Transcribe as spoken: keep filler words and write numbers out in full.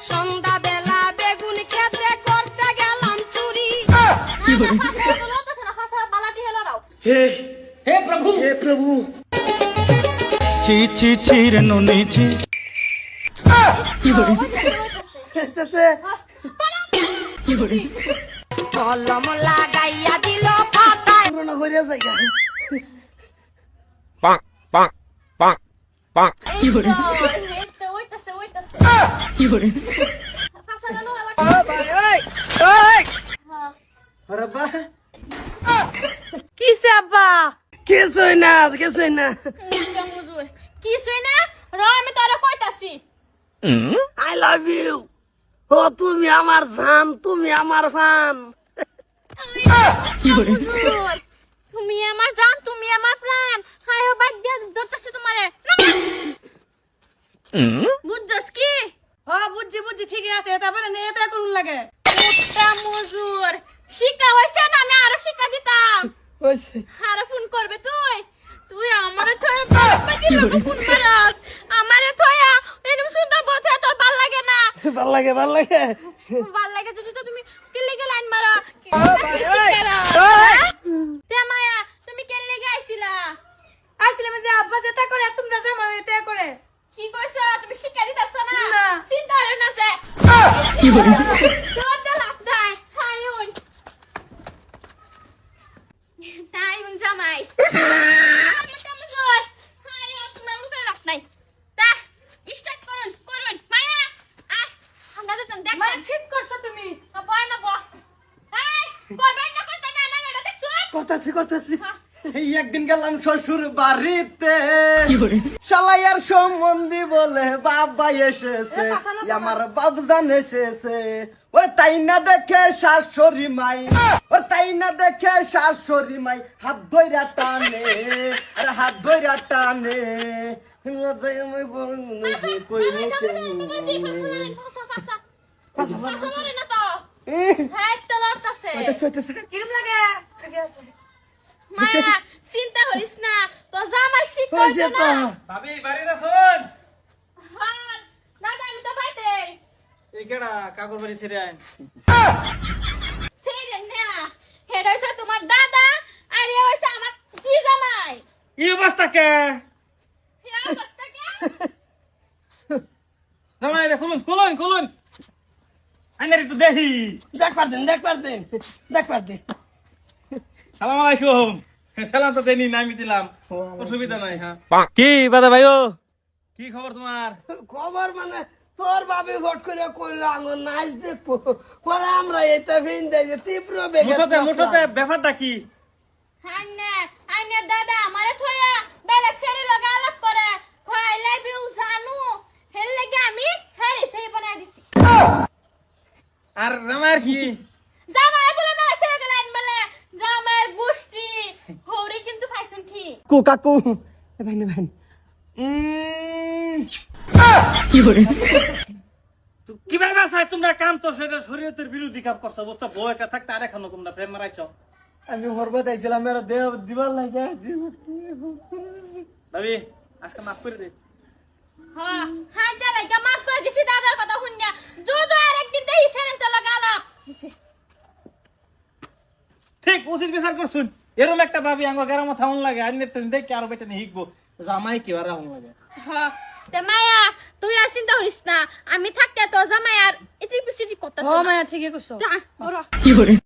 সন্ধ্যা বেলা বেগুন খেতে করতে গেলাম চুরি। हे हे प्रभु हे प्रभु ছি ছি ছি রে ননি ছি ऐसे কলম লাগাইয়া দিল পাতায়। पुराना हो रहा है क्या bonk, bonk, bonk, bonk. रब्बा কিসে আব্বা? कैसे है ना कैसे है ना কিছুই না, র আমি তোরে কইতাছি। आई लव यू ও তুমি আমার জান তুমি আমার ফান হুজুর, তুমি আমার জান, তুমি আমার প্রাণ। হায় বাদ দিয়া ধরতেছি তোমারে। বুঝছস কি? ও বুঝছি বুঝছি ঠিকই আছে, এটা বলে নে এটা করুন লাগে। ওটা মজুর শিক্ষা হইছে না, আমি আরো শিক্ষা দিতাম। ওইছে আরে ফোন করবে তুই? তুই আমারে থয়ে বাকি লোক ফোন মারাস, আমারে থয়া এরকম সুন্দর বথে তোর ভাল লাগে না? ভাল লাগে ভাল লাগে ভাল লাগে যদি তো তুমি কেলে গে লাইন মারা। তে মায়া তুমি কেলে গে আইছিলা? আসলে যে আব্বাস এটা করে তোমরা জামাই এটা করে। কি কইছ? তুমি শিক্ষা দিতাছ না? না। চিন্তা হরে না সে কি বলে তোর তো লাভ নাই। হাই ওই তাই উন জামাই আমার কাম জয়। হাই ও তোমার মুখে লাভ নাই। তা স্টার্ট করুন করুন মায়া। আহ আমরা তো দেখ মানে ঠিক করছো তুমি। বয় না বয়। এই করবেন না করতে না না এটা দেখছ? করতেছি করতেছি এই একদিন গেলাম শ্বশুর বাড়িতে কি বলে শালাইয়ার সম্বন্ধী বলে বাবা এসেছে এ, পাশা না, পাশা। আমার বাবজান এসেছে ওই তাই না দেখে শাশুড়ি মাই ওই তাই না দেখে শাশুড়ি মাই হাত ধইরা টানে আরে হাত ধইরা টানে লজ্জায় আমি বলছি কই মুখে ফাসা ফাসা ফাসা লরে না তো। এ হ্যাঁ তো লড়তাছে। ওইটাছে ওইটাছে কিরম লাগে? ঠিকই আছে। মায়া চিন্তা করিস না, তো জামাই শিক্ষা হইছে হইছে তো না। ভাবি বাড়ি না শুন হ্যাঁ দাদা আমি তো বাইতে এই কেডা কাকুর বাড়ি ছেড়ে আইন সেই না হেড হইছে তোমার দাদা আর এ হইছে আমার জি জামাই। এই অবস্থা কে এই অবস্থা কি? জামাই রে খুলুন খুলুন খুলুন আইনার একটু দেখি দেখ পারতেন দেখ পারতেন দেখ পারতেন সালাম আলাইকুম সালাম তো দেনি না আমি দিলাম অসুবিধা নাই হ্যাঁ Bonk. কি বাদা ভাইও কি খবর তোমার খবর মানে তোর বাবে ভোট করে কইলো আঙ্গুর নাচ দেখবো পরে আমরা এটা ভিন দেয় যে তীব্র বেগে মুঠোতে মুঠোতে ব্যাপারটা কি হান্নে আইনের দাদা আমারে থয়া বেলেগ সেরি লগা আলাপ করে কই লাভ ইউ জানু হেল লাগে আমি হেরি সেরি বানাই দিছি। আর জামাইয়ের কি জামাই বলে না সেরি গলান বলে জামাইয়ের গোষ্ঠী হরি কিন্তু ফাইসুন ঠিক। কাকু কাকু এ ভাই না ভাই কি বলে কিভাবে বাসায় তোমরা কাম তো সেটা শরীয়তের বিরোধী কাম করছো বুঝছো বউ একটা থাকতে আর এখনো তোমরা প্রেম মারাইছো আমি হরবা চাইছিলাম মেরা দেহ দিবার লাগে ভাবি আজকে মাফ করে দে হ্যাঁ হ্যাঁ চলে গা মাফ করে দিছি দাদার কথা শুনিয়া যদি আর একদিন দেই সেরেন তো লগা আলাপ ঠিক উচিত বিচার করছুন এরকম একটা ভাবি আমার গ্রামে থাউন লাগে আর নেতে দেখে আরো বেটা নিয়ে হিকবো জামাই কি আর রাহুন লাগে হ্যাঁ তে মায়া তুই আর চিন্তা করিস না, আমি থাকতে তোর জামাই আর এটি পিছিয়ে কথা ও মায়া ঠিকই করছো। যা ওরা কি বলে